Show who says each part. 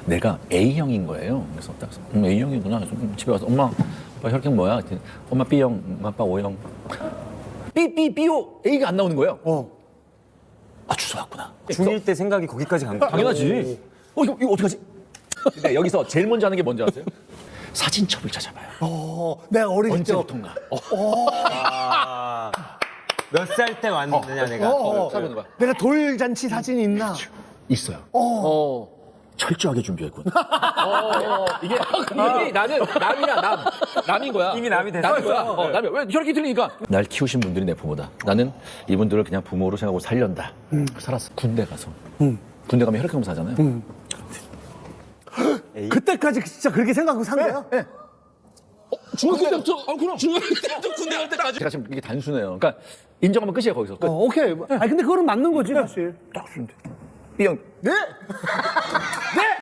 Speaker 1: 내가 A형인 거예요. 그래서 딱 A형이구나. 그래서 집에 와서 엄마, 아빠 혈액형 뭐야? 그랬더니 엄마 B형, 엄마 아빠 O형. BO A가 안 나오는 거예요. 아 주소 왔구나.
Speaker 2: 중1 때 생각이 거기까지 간 거야.
Speaker 1: 당연하지. 이거 어떡하지? 근데 여기서 제일 먼저 하는 게 뭔지 아세요? 사진첩을 찾아봐요.
Speaker 3: 내가 어릴 때.
Speaker 1: 언제부턴가.
Speaker 2: 몇 살 때 왔느냐 내가.
Speaker 1: 찾아보는 거야.
Speaker 3: 내가 돌잔치 사진이 있나?
Speaker 1: 있어요. 철저하게 준비했군. 이게 나는 남인 거야.
Speaker 2: 이미 남이 됐어.
Speaker 1: 남인 거야. 남이야. 왜 혈액이 틀리니까? 날 키우신 분들이 내 부모다. 나는 이분들을 그냥 부모로 생각하고 살련다. 살았어. 군대 가서. 군대 가면 혈액 검사하잖아요.
Speaker 3: 그때까지 진짜 그렇게 생각하고 산 거야?
Speaker 1: 네. 중학교 때부터. 그럼. 중학교 때부터 군대 갈 때까지. 제가 지금 이게 단순해요. 그러니까 인정하면 끝이에요 거기서. 끝.
Speaker 3: 오케이. 아니 근데 그거는 맞는 거지 사실.
Speaker 1: 딱 쓰면 돼. B형.
Speaker 3: 네?